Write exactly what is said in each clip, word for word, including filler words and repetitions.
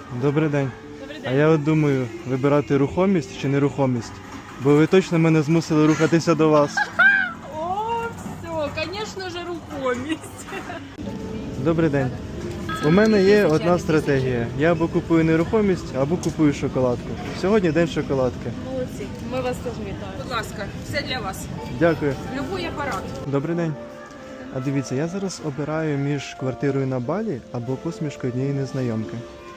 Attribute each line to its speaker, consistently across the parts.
Speaker 1: Добрий день.
Speaker 2: Добрий
Speaker 1: А
Speaker 2: день.
Speaker 1: я от думаю, вибирати рухомість чи нерухомість? Бо ви точно мене змусили рухатися до вас.
Speaker 2: О, все, звісно ж, рухомість.
Speaker 1: Добрий день. У мене є одна стратегія. Я або купую нерухомість, або купую шоколадку. Сьогодні день шоколадки.
Speaker 2: Молодці. Ми вас теж вітаємо.
Speaker 3: Будь ласка, все для вас.
Speaker 1: Дякую.
Speaker 3: Любой апарат.
Speaker 1: Добрий день. А дивіться, я зараз обираю між квартирою на Балі або посмішкою однієї незнайомки.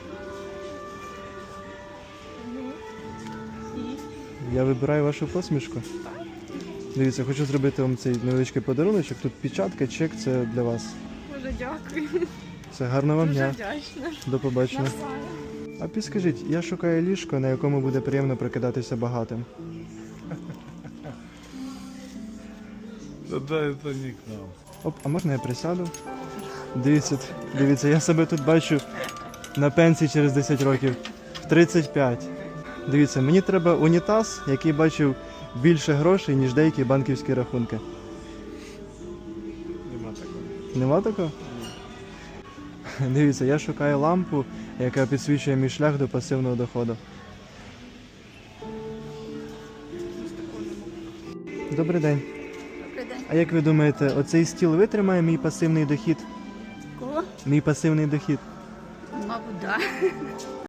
Speaker 1: Я вибираю вашу посмішку. Дивіться, хочу зробити вам цей невеличкий подаруночок. Тут печатка, чек, це для вас.
Speaker 2: Дуже дякую.
Speaker 1: Все, гарного вам
Speaker 2: Дуже
Speaker 1: дня.
Speaker 2: вдячна.
Speaker 1: До побачення. А підскажіть, я шукаю ліжко, на якому буде приємно прокидатися багатим.
Speaker 4: Тогда это не к нам.
Speaker 1: Оп, а можна я присяду? Дивіться, дивіться, я себе тут бачу на пенсії через десять років. В тридцять п'ять. Дивіться, мені треба унітаз, який бачив більше грошей, ніж деякі банківські рахунки.
Speaker 4: Нема такого.
Speaker 1: Нема такого? Дивіться, я шукаю лампу, яка підсвічує мій шлях до пасивного доходу. Добрий день.
Speaker 3: Добрий день.
Speaker 1: А як ви думаєте, оцей стіл витримає мій пасивний дохід?
Speaker 3: Кого?
Speaker 1: Мій пасивний дохід?
Speaker 3: Мабуть, да.